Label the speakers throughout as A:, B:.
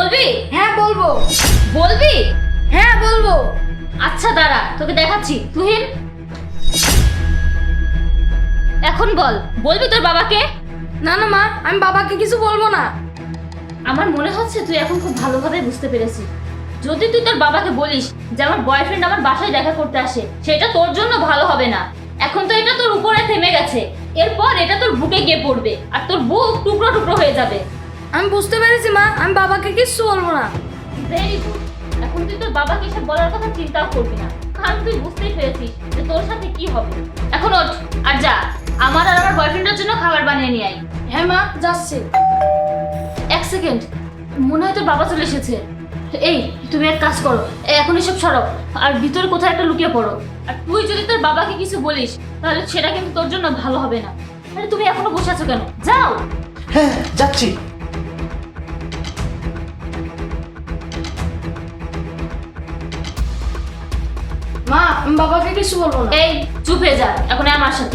A: বলবি?
B: হ্যাঁ বলবো।
A: বলবি?
B: হ্যাঁ বলবো।
A: আচ্ছা দাঁড়া, তোকে দেখাচ্ছি। তুহিন, এখন বল, বলবি তোর বাবাকে?
B: না না মা, আমি বাবাকে কিছু বলবো না।
A: আমার মনে হচ্ছে তুই এখন খুব ভালোভাবে বুঝতে পেরেছিস। যদি তুই তোর বাবাকে বলিস যে আমার বয়ফ্রেন্ড আমার বাসায় দেখা করতে আসে, সেটা তোর জন্য ভালো হবে না। এখন তো এটা তোর উপরে থেমে গেছে, এরপর এটা তোর বুকে গিয়ে পড়বে আর তোর বুক টুকরো টুকরো হয়ে যাবে।
B: আমি বুঝতে পেরেছি মা, আমি বাবাকে কিছু বলবো না।
A: Very good. এখন তুই তোর বাবাকে এসব বলার কথা চিন্তাও করবি না, কারণ তুই বুঝতেই পেরেছিস যে তোর সাথে কি হবে। এখন ওঠ আর যা, আমার আর আমার বয়ফ্রেন্ডের জন্য খাবার বানিয়ে নিয়ে আয়।
B: হ্যাঁ মা, যাচ্ছি।
A: এক সেকেন্ড, মনে হয় তোর বাবা চলে এসেছে। এই, তুমি এক কাজ করো, এখন এসব সরো আর ভিতরে কোথাও একটা লুকিয়ে পড়ো। আর তুই যদি তোর বাবাকে কিছু বলিস তাহলে সেটা কিন্তু তোর জন্য ভালো হবে না। আরে তুমি এখনো বসে আছো কেন? যাও।
C: হ্যাঁ যাচ্ছি।
B: মা, আমি বাবাকে কিছু বলবো না।
A: এই চুপ হয়ে যা, এখন আমার সাথে।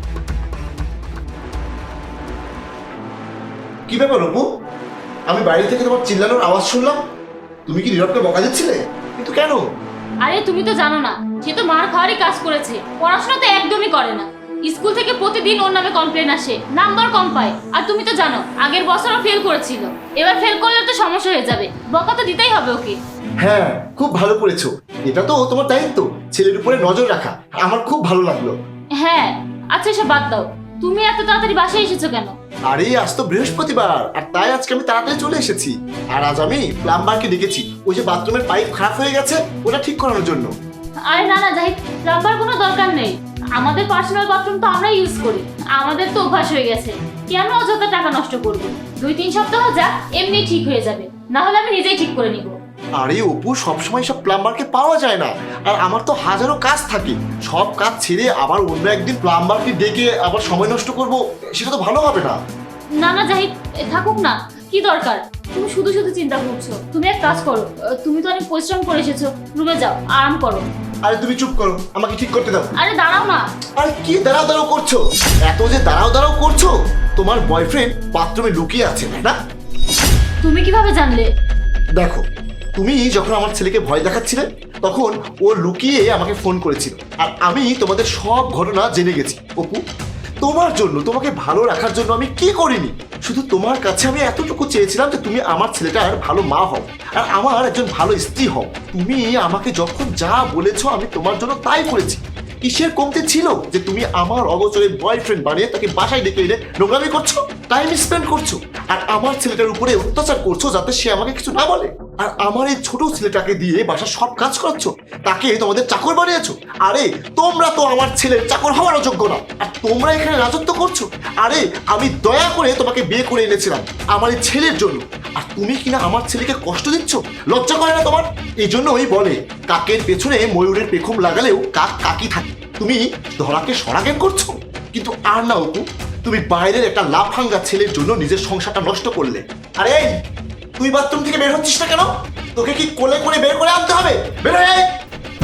C: কি ব্যাপার অপু? আমি বাইরে থেকে তোমার চিল্লানোর আওয়াজ শুনলাম। তুমি কি নীরবকে বকা দিচ্ছিলে? কিন্তু কেন?
A: আরে তুমি তো জানো না, সে তো মার খাওয়ারই কাজ করেছে, পড়াশোনা তো একদমই করে না। স্কুল থেকে প্রতিদিন ওর নামে কমপ্লেন আসে, নাম্বার কম পায়। আর তুমি তো জানো আগের বছরও ফেল করেছিল, এবার ফেল করলে তো সমস্যা হয়ে যাবে, বকা তো দিতেই হবে ওকে।
C: হ্যাঁ, খুব ভালো করেছো। এটা তো তোমার দায়িত্ব, ছেলের উপরে নজর রাখা। আমার খুব ভালো লাগলো।
A: হ্যাঁ, আচ্ছা এসব বাদ দাও, তুমি এত তাড়াতাড়ি বাসায় এসেছো কেন?
C: আরে আজ তো বৃহস্পতিবার, আর তাই আজকে আমি তাড়াতাড়ি চলে এসেছি। আর আজ আমি প্লাম্বারকে ডেকেছি, ওই যে বাথরুমের পাইপ খারাপ হয়ে গেছে ওটা ঠিক করানোর জন্য।
A: আরে না না জাহিদ, প্লাম্বার কোনো দরকার নেই, আমাদের পার্সোনাল বাথরুম তো আমরা ইউজ করি, আমাদের তো অভ্যাস হয়ে গেছে। কেন অযথা টাকা নষ্ট করবো? 2-3 সপ্তাহ যাক, এমনি ঠিক হয়ে যাবে, না হলে আমি নিজেই ঠিক করে নিব।
C: আরে অপু, সবসময় সব প্লাম্বারকে পাওয়া যায় না, আর আমার তো হাজারো কাজ থাকে। সব কাজ ছেড়ে আবার অন্য একদিন প্লাম্বারকে ডেকে আবার সময় নষ্ট করব, সেটা তো ভালো হবে না।
A: না না জাহিদ, থাকুক না, কি দরকার? তুমি শুধু শুধু চিন্তা করছো। তুমি এক কাজ করো, তুমি তো অনেক পরিশ্রম করে এসেছো, রুমে যাও, আরাম করো।
C: আরে তুমি চুপ করো, আমাকে ঠিক করতে দাও।
A: আরে দাঁড়াও না।
C: আরে কি দাঁড়াও দাঁড়াও করছো? এত যে দাঁড়াও দাঁড়াও করছো, তোমার বয়ফ্রেন্ড বাথরুমে লুকিয়ে আছে, তাই না?
A: তুমি কিভাবে জানলে?
C: দেখো, তুমি যখন আমার ছেলেকে ভয় দেখাচ্ছিলে তখন ও লুকিয়ে আমাকে ফোন করেছিল, আর আমি তোমাদের সব ঘটনা জেনে গেছি। অপু, তোমার জন্য, তোমাকে ভালো রাখার জন্য আমি কি করিনি? শুধু তোমার কাছে আমি এতটুকু চেয়েছিলাম যে তুমি আমার ছেলেটার ভালো মা হও আর আমার একজন ভালো স্ত্রী হও। তুমি আমাকে যখন যা বলেছো আমি তোমার জন্য তাই করেছি। কিসের কমতি ছিল যে তুমি আমার অগোচরে বয়ফ্রেন্ড বানিয়ে তাকে বাসায় ডেকে এনে নোংরামি করছো, টাইম স্পেন্ড করছো, আর আমার ছেলেটার উপরে অত্যাচার করছো যাতে সে আমাকে কিছু না বলে। আর আমার এই ছোট ছেলেটাকে দিয়ে বাসার সব কাজ করাচ্ছ, তাকে তোমাদের চাকর বানিয়েছো। আরে তোমরা তো আমার ছেলের চাকর হওয়ার যোগ্য না, আর তোমরা এখানে রাজত্ব করছো। আরে আমি দয়া করে তোমাকে বিয়ে করে এনেছিলাম আমার এই জ্ঞানের জন্য, আর তুমি কিনা আমার ছেলেকে কষ্ট দিচ্ছ। লজ্জা করে না তোমার? এই জন্যই বলে কাকের পেছনে ময়ূরের পেখম লাগালেও কাক কাকই থাকে। তুমি ধরাকে সরাজ্ঞান করছো। কিন্তু আর না অপু, তুমি বাইরের একটা লাফাঙ্গা ছেলের জন্য নিজের সংসারটা নষ্ট করলে। আরে এই, তুই বাথরুম থেকে বের হচ্ছিস না কেন? তোকে কি কোলে করে বের করে আনতে হবে? বের হয়ে আয়।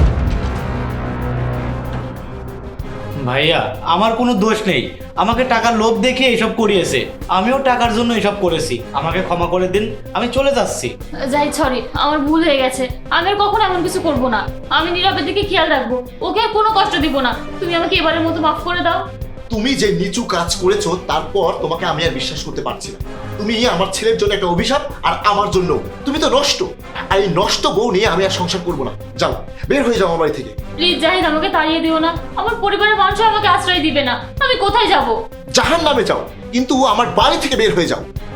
D: ভাইয়া, আমার কোনো দোষ নেই, আমাকে টাকার লোভ দেখে এসব করিয়েছে, আমিও টাকার জন্য এসব করেছি, আমাকে ক্ষমা করে দিন, আমি চলে যাচ্ছি।
A: জাহিদ সরি, আমার ভুল হয়ে গেছে, আমি আর কখনো এমন কিছু করব না। আমি নীরবের দিকে খেয়াল রাখবো, ওকে আর কোনো কষ্ট দিব না। তুমি আমাকে এবারের মতো মাফ করে দাও।
C: তুমি যে নিচু কাজ করেছো তারপর তোমাকে আমি আর বিশ্বাস করতে পারছি না। তুমি আমার ছেলের জন্য একটা অভিশাপ, আর আমার জন্য তুমি তো নষ্ট। আর এই নষ্ট বউ নিয়ে আমি আর সংসার করবো না। যাও, বের হয়ে যাও আমার বাড়ি থেকে।
A: প্লিজ জাহিদ, আমাকে তাড়িয়ে দিও না, আমার পরিবারের মানুষ আমাকে আশ্রয় দিবে না, আমি কোথায় যাব?
C: জাহান্নামে যাও, কিন্তু আমার বাড়ি থেকে বের হয়ে যাও।